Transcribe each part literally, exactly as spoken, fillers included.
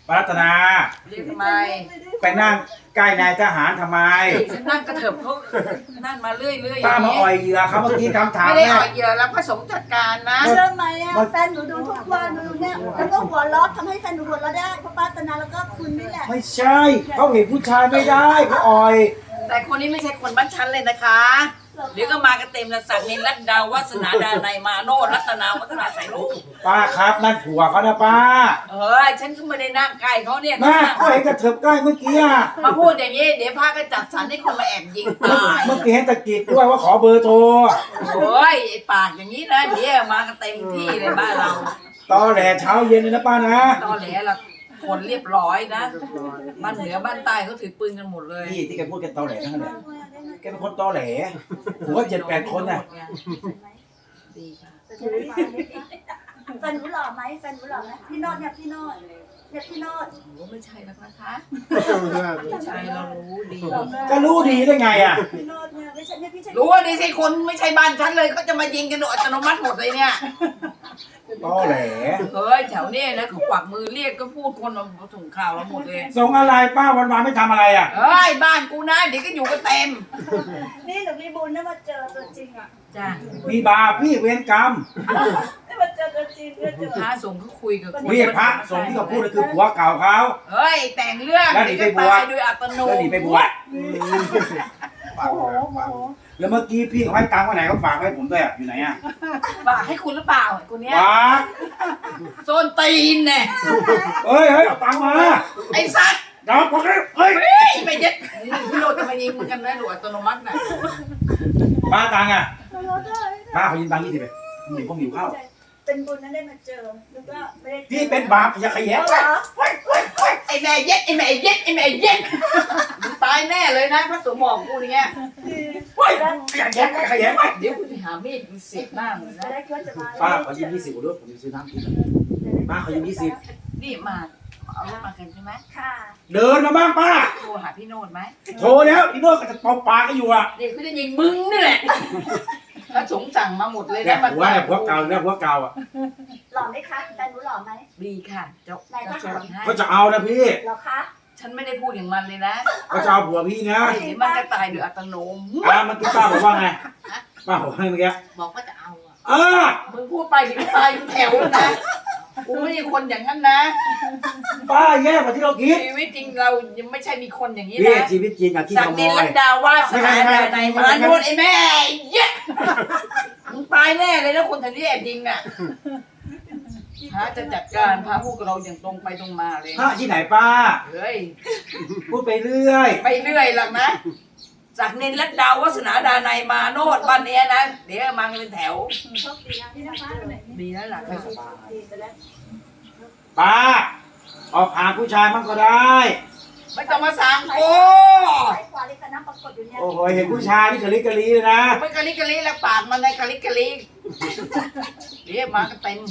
ป้ารัตนาเรียกทำไมไปนั่งใกล้นายทหารทำไมฉันนั่งกระเถิบเขานั่นมาเรื่อยๆอย่างป้ามานี้อ่อยเหยื่อเขาเมื่อกี้คำถามไม่ได้แม่อ่อยเหยื่อแล้วพระสงฆ์จัดการนะเชื่อไหมอ่ะแฟนหนูดูทุกวันหนูเนี่ยแล้วก็หัวเราะทำให้แฟนหนูหัวเราะได้เพราะป้าตนาแล้วก็คุณนี่แหละไม่ใช่เขาเห็นผู้ชายไม่ได้เขาอ่อยแต่คนนี้ไม่ใช่คนบ้านฉันเลยนะคะเดี๋ยวก็มากันเต็มแล้วสักดิ์นินรัตดาววัฒนาดานัยมาโนรัตนาวัฒนาใส่ลูกป้าครับนั่นผัวเขานะป้าเออฉันก็ไม่ได้นั่งใกล้เขาเนี่ยแม่ก็เห็นกระเถิบใกล้เมื่อกี้อะมาพูดอย่างนี้เดี๋ยวพาก็จัดสรรให้คนมาแอบยิงตายเมื่อกี้เห็นตะกิดด้วยว่าขอเบอร์โทรโอ้ยไอ้ปากอย่างนี้นะเดี๋ยวมากันเต็มที่เลยบ้านเราตอแหลเช้าเย็นเลยนะป้านะตอนแหลละคนเรียบร้อยนะบ้านเหนือบ้านใต้เขาถือปืนกันหมดเลยนี่ที่แกพูดแกตอแหลทั้งนั้นเลยแกเป็นคนตอแหลหัวเจ็ดแปดคนน่ะดีค่ะแฟนหนูหล่อไหมแฟนหนูหล่อไหมพี่โนดเนี่ยพี่โนดเนี่ยพี่โนดโอ้ไม่ใช่แล้วนะคะไม่ใช่เรารู้ดีจะรู้ดีได้ไงอ่ะพี่โนดเนี่ยไม่ใช่เนี่ยพี่ใช่รู้ว่าดีสิคนไม่ใช่บ้านฉันเลยเขาจะมายิงกันโดยอัตโนมัติหมดเลยเนี่ยตอแหลเฮ้ยแถวเนี้นะเขากวักมือเรียกก็พูดคนมาส่งข่าวเราหมดเลยส่งอะไรป้าวันๆไม่ทำอะไรอ่ะเฮ้ยบ้านกูนะเดี๋ยวก็อยู่กันเต็มนี่หนูมีบุญได้มาเจอตัวจริงอ่ะจ้ามีบาปพี่เวรกรรมได้มาเจอตัวจริงได้เจอพระสงฆ์เขาคุยกับคนเรียกพระสงฆ์ที่เขาพูดก็คือผัวเก่าเขาเฮ้ยแต่งเรื่องแล้วหนีเดี๋ยวไปก็บวชตายโดยอัตโนแล้วหนีไปบวชโอ้โหโอ้โหแล้วเมื่อกี้พี่เขาให้ตังค์ไว้ไหนเขาฝากไว้ผมด้วยอ่ะอยู่ไหนอ่ะฝากให้คุณหรือเปล่าไอ้คนเนี้ยฝากโซนตีนเนี่ยเฮ้ยเฮ้ยเอาตังค์มาไอ้สัตว์เดี๋ยวพอกันเฮ้ยเฮ้ยไม่เย็ดพี่โรดจะมายิงมึงกันนะหรืออัตโนมัติน่ะป้าตังค์อ่ะเราได้ป้าเขายินตังค์ยี่สิบไปผมหิวผมหิวข้าวเป็นบุญนั้นได้มาเจอแล้วก็ไม่ได้พี่เป็นบาปอย่าขยันเหรอไอ้แม่เย็ดไอ้แม่เย็ดไอ้แม่เย็ดมึงตายแน่เลยนะพระสงฆ์บอกกูอย่างเงี้ยเฮ้ยขยันขยันเดี๋ยวกูจะหามีดมึงเสียบหน้ามึงนะได้ก็จะมาป้าขอยืมยี่สิบด้วยผมจะซื้อน้ำกินป้าขอยืมยี่สิบนี่มาเอารถมากันใช่ไหมค่ะเดินมาบ้างป้าโทรหาพี่โนดไหมโทรแล้วอีโน่ก็จะเป่าปากก็อยู่อ่ะเดี๋ยวเขาจะยิงมึงนี่แหละพระสงฆ์สั่งมาหมดเลยเนี่ยนะมันหัวเนี่ยหัวเก่าเนี่ยหัวเก่าอ่ะหล่อไหมคะแฟนหนูหล่อไหมดีค่ะเจ้าจะสวดให้ก็จะเอานะพี่หล่อคะฉันไม่ได้พูดอย่างมันเลยนะก็จะเอาผัวพี่นะเดี๋ยวมันจะตายโดยอัตโนมัติอ่าเมื่อกี้ป้าบอกว่าไงป้าบอกว่าไงเมื่อกี้บอกว่าจะเอาอ่ะอ่ามึงพูดไปถึงตายอยู่แถวแล้วนะกูไม่ใช่คนอย่างนั้นนะป้าแย่กว่าที่เราคิดชีวิตจริงเรายังไม่ใช่มีคนอย่างนี้พี่นะชีวิตจริงอะที่สัขกโมดินยลัดดาวว่าสนาดาในมาโนดไอ้แม่เย้มึงตายแน่เลยนะคนแถวนี้แอบยิงอ่ะพระจะจัดการพระพูดกับเราอย่างตรงไปตรงมาเลยพระที่ไหนป้าเฮ้ยพูดไปเรื่อยไปเรื่อยหรอกนะจากนินลัดดาววัฒนาดาในมาโนดบ้านเนี้ยนะเดี๋ยวมากันเป็นแถวโชคดีนะที่นะคะดีแล้วล่ะค่ะดีไปแล้วป้าออกหาผู้ชายมั่งก็ได้ไม่ต้องมาสั่งโอ้สายขวาเลยค่ะน้ำปรากฏอยู่เนี่ยโอ้โหเห็นผู้ชายที่กะลิกะลีเลยนะไม่กะลิกะลิแล้วปากมันในกะลิกะลิเดี๋ยวมากันเต็ม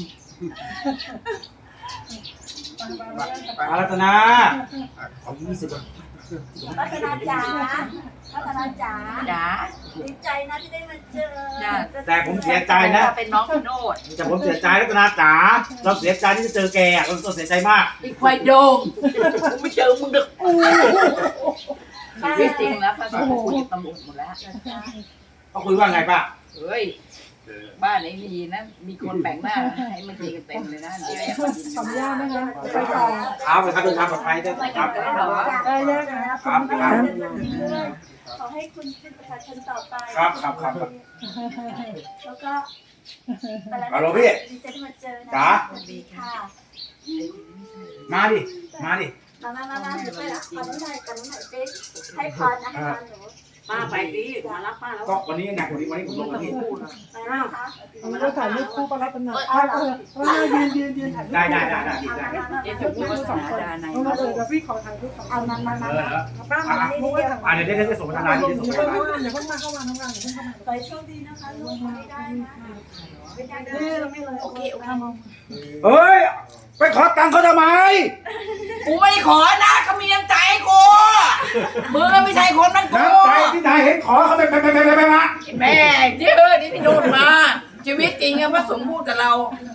อารัตนาขอยี่สิบพัฒนาจ๋าพัฒนาจ๋าจ๋าดีใจนะที่ได้มาเจอแต่ผมเสียใจนะเป็นน้องพี่โนดแต่ผมเสียใจรัตนาจ๋าเราเสียใจที่จะเจอแกอะเราต้องเสียใจมากอีควายโดงกูไม่เจอมึงเด็กกูชีวิตจริงแล้วพระสงฆ์คุยกับตำรวจหมดแล้วเขาคุยว่าไงป้าเฮ้ยบ้านไหนดีนะ มีคนแบ่งหน้าให้มันยิงกันเต็มเลยนะเดี๋ยวแอบมายิงขออนุญาตนะคะไปต่อครับไปครับเดินทางปลอดภัยด้วยครับได้แยกนะครับครับขอให้คุณเป็นประชาชนต่อไปครับครับครับแล้วก็ฮัลโหลพี่ดีใจที่มาเจอนะจ๋าดีค่ะมาดิมาดิมามามามาเดี๋ยวไปละขอน้องหน่อยขอน้องหน่อยสิให้พรนะให้พรหนูป้าไปดิมารับป้าแล้วก็วันนี้ไงวันนี้วันนี้ผมลงวันนี้มานะคะมันก็ถ่ายรูปคู่ประรัตนาอ่าเออเออยืนยืนยืนถ่ายรูปได้ได้ได้ได้ได้เดี๋ยวจะพูดว่าสนาดาในเอามาเออเดี๋ยวพี่ขอถ่ายรูปสองเอามามามาเออมาป้ามาเพราะว่าถ่ายอ่าเดี๋ยวได้ได้ส่งพัฒนาลที่งส่งเดี๋ยวพัฒนาเพิ่งอย่าเพิ่งมาเข้ามาทำงานอย่าเพิ่งเข้ามาขอให้โชคดีนะคะลูกไม่ได้นะเป็นยังไงนี่เราไม่เลยโอเคโอเคเฮ้ยไปขอตังค์เขาทำไมกูไม่ได้ขอนะเขามีน้ำใจให้กูมึงไม่ใช่คนนั่นกูน้ำใจที่นายเห็นขอเขาไปไปไปไปไปมาแม่เยอะนี่พี่โดนมาชีวิตจริงอะพระสงฆ์พูดกับเรา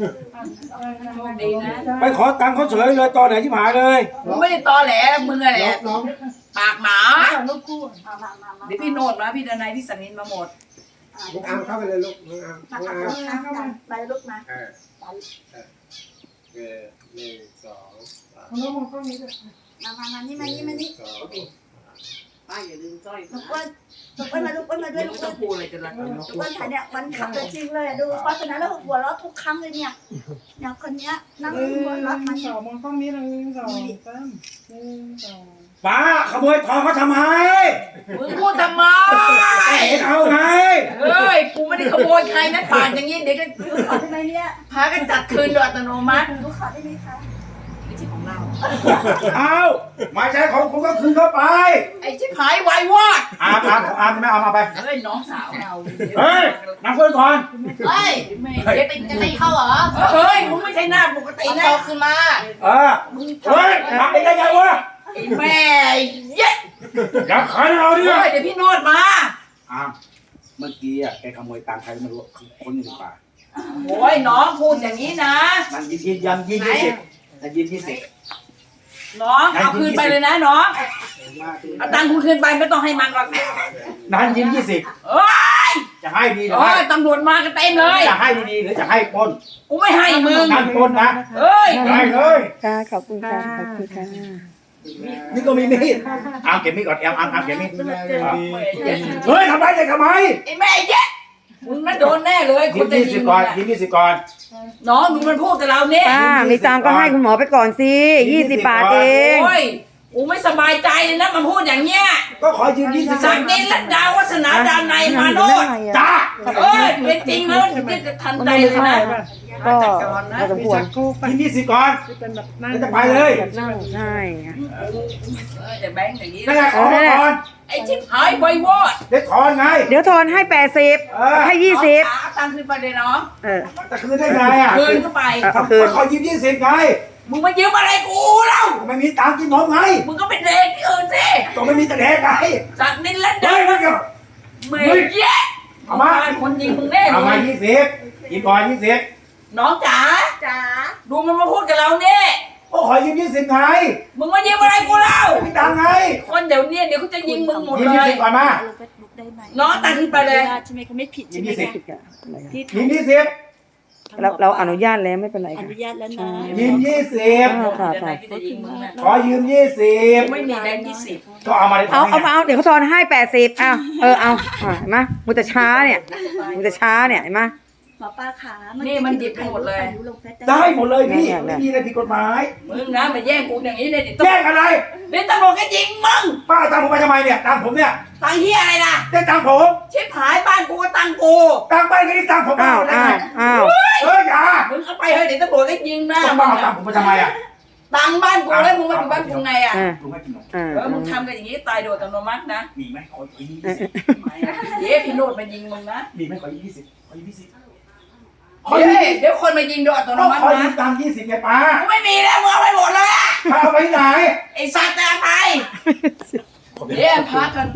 โชคดีนะไปขอตังค์เขาเฉยเลยตอนไหนที่หายเลยมึงไม่ได้ตอแหลมึงอะไรน้องปากหมาลูกคู่มามามามาเดี๋ยวพี่โนดมาพี่ดนายพี่สันนินมาหมดลูกอามเข้าไปเลยลูกลูกอามมาลูกอามเข้ามาไปลูกมาเออเออหนึ่งสองสามน้องมองกล้องนี้ด้วยมามามานี่มานี่มานี่สองป้าอย่าลืมสร้อยลูกอ้วนลูกอ้วนมาลูกอ้วนมาด้วไม่ยลูรู้กจะอ้วนพูดอะไรกันละลูกอ้วนถ่ายเนี่ยมันขับตัวจริงเลยดูเพราะฉะนั้นแล้วหัวเราะทุกครั้งเลยเนี่ยเนี่ยคนเนี้ยนั่งหนึ่หัวเราะมันงสองมองกล้องนี้หนึ่งสองสามหนึ่งสองป้าขโมยทองเขาทำไมมึงพูดทำไมเห็นเอาไงเฮ้ยกูไม่ได้ขโมยใครนะป่านอย่างนี้เดี๋ยวก็ขอได้ไหมเนี่ยพากันจัดคืนโดยอัตโนมัติลูกขอได้ไหมคะไม่ใช่ของเราเอาไม่ใช่ของคุณก็คืนเข้าไปไอ้ชิบหายไวายวอดอามอามของอามไม่เอามาไปเฮ้ยน้องสาวเราเฮ้ยนั่งคุยก่อนเฮ้ยไม่เจ๊ติจะตีเขาเหรอเฮ้ยมึงไม่ใช่หน้าปกตินะขึ้นมาเออเฮ้ยทำได้ไงวะไอ้แม่เย็ดอยากขายเราดิเฮ้ยเดี๋ยวพี่โนดมาอามเมื่อกี้อ่ะแกขโมยตังค์ใครไม่รู้คนหนึ่งป่าโอ้ยน้องพูดอย่างนี้นะมันยินยินยันยินยี่สิบมันยินยี่สิบน้องเอาคืนไปเลยนะน้องเอาตังค์คุณคืนไปไม่ต้องให้มันหรอกนั้นยินยี่สิบเอ้ยจะให้ดีหรือโอ้ให้ยตำรวจมากันเต็มเลยจะให้ดีๆหรือจะให้ปล้นกูไม่ให้มึงนั่นปล้นนะเอ้ยได้เลยค่ะขอบคุณค่ะขอบคุณค่ะนี่ก็มีมีดอามเก็บมีดก่อนแอมอามอามเก็บมีดดีเฮ้ยทำไรเด็กทำไมไอ้แม่เย็ดมึงน่าโดนแน่เลยคยินนจะยี่ยิสิบงก่อนมึงยิอะนยี่สิบก่อนน้องมึงมันพูดกับเราเนี่ยป้ามีตังค์ก็ให้คุณหมอไปก่อนสิยี่สิบบาทเองโอ้ยกูไม่สบายใจเลยนะมันพูดอย่างเงี้ยก็ขอยืมยี่สิบสักนินและดาววัฒนาดานในยมาโนดจ้าเอ้ยเป็นจริงแล้วนี่จะทันใจเลยนะก็จัดการนะพอสมมีควรจักรคู่ไปยินยี่สิบก่อนที่เป็นแบบนั่งแล้วจะไปเลยนั่งใช่ค่ะเออแต่แบงค์อย่างนี้นั่นแหละขอมาก่อนไอ้ชิบหายไววอดเด็กถอนไงเดี๋ยวทอนให้แปดสิบเออให้ยี่สิบน้องจ๋าตังค์คืนไปเลยน้องเออจะคืนได้ไงอ่ะคืนเข้าไปเอาเอาคืนก็ขอยืมยี่สิบไงมึงมายืมอะไรกูเล่าไม่มีตังค์กินนมไงมึงก็เป็นเด็กที่อื่นสิต้องไม่มีแต่เด็กไงสักนินและเฮ้ดาวยมันก็เมย์แย่เอามาคนยิงมึงแน่เอาเลมาย ยี่สิบกินก่อนยี่สิบน้องจ๋าจ๋าดูมันมาพูดกับเราเนี่ยก็ขอยืมยี่สิบไงมึงมายืมอะไรกูเล่าไม่มีตังค์ไงคนเดี๋ยวเนี้เดี๋ยวเขาจะยิงมึงหมดยืมเลยี่ยสิบก่อนมาลงเฟซบุ๊กได้ไหมน้องตังค์ขึ้นไปเลยใช่ไหมคะไม่ผิดยืใช่มไหมยี่สิบคะที่ยืมยี่สิบเราเราอนุญาตแล้วไม่เป็นไรอค่ะนุญาตแล้วนะยืมยี่สิบค่ะเดี๋ยวไหนค่ะที่จะยิงมึงนะขอยืมยี่สิบไม่มีแบงค์ยี่สิบก็เอามาได้เอาทำไงเอาเอาเดี๋ยวเขาทอนให้แปดสิบเอาเออเอาอ่ะเห็นไหมมึงจะช้าเนี่ยมึงจะช้าเนี่ยเห็นไหมหมอป้าขานี่มันหยิบไปหมดเลยลงเฟซได้หมดเลยพี่เนี่ยเนี่ยไม่มีอะไรผิดกฎหมายมึงนะมาแย่งกูอย่างนี้เลยเดี๋ยวแย่งอะไรเดี๋ยวตำรวจก็ยิงมึงป้าตังผมไปทำไมเนี่ยตังผมเนี่ยตังค์เฮียอะไรล่ะได้ตังผมชิบหายบ้านกูก็ตังค์กูตังไปก็ได้ตังผมอ้าวได้อ้าไงวอ้าวเอออย่ามึงเอาไปเฮ้ยเดี๋ยวตำรวจก็ยิงหน้าต้องมึป้าง เอาตังอะผมไปทำไมอ่ะตังค์บ้านกูแล้วมึงมาอยู่บ้านกูไงอ่ะเออลุงให้กินนมเออเออมึงทำกันอย่างนี้ตายโดยอัตโนมัตินะมีไหมขอขอยี่เออสิบไม่นะเดี๋ยวพี่โนดมายิงมึงนะมีไหมขอยี่สิบขอยี่สิบขอเดี๋ยวยี่สิบเดี๋ยวคนมายิงโดยอัตโนต้องมัติขอยืนะมตังยี่สิบไงป้ากูไม่มีแล้วมึงเอาไปหมดเลยอะป้าเอาไปไหนไอ้สัตว์จะตายเดี๋ยวพักกัน